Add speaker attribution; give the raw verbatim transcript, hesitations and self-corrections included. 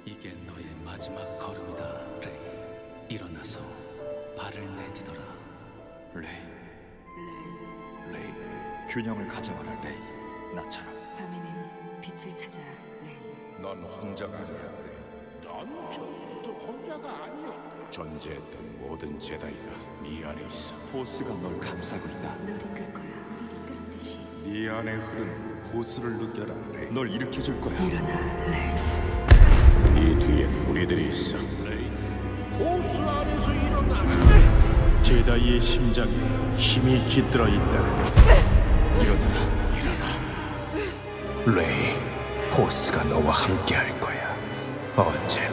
Speaker 1: 이게 너의 마지막 걸음이다, 레이. 일어나서 발을 내디뎌라.
Speaker 2: 레이,
Speaker 3: 레이,
Speaker 2: 레이, 균형을 가져와라, 레이. 나처럼.
Speaker 3: 밤에는 빛을 찾아, 레이.
Speaker 4: 넌 혼자가 아니야, 레이. 넌 처음부터 혼자가 아니었다. 존재했던 모든 제다이가 네 안에 있어.
Speaker 2: 포스가 널 감싸고 있다.
Speaker 3: 널 이끌 거야. 우리를 이끌었듯이.
Speaker 4: 네 안에 흐르는 호수를 느껴라, 레이.
Speaker 2: 널 일으켜줄 거야.
Speaker 3: 일어나, 레이.
Speaker 4: 네 뒤엔 우리들이 있어, 레이. 호수 안에서 일어나.
Speaker 5: 제다이의 심장에 힘이 깃들어 있다.
Speaker 2: 일어나라.
Speaker 4: 레이, 포스가 너와 함께 할 거야. 언제나.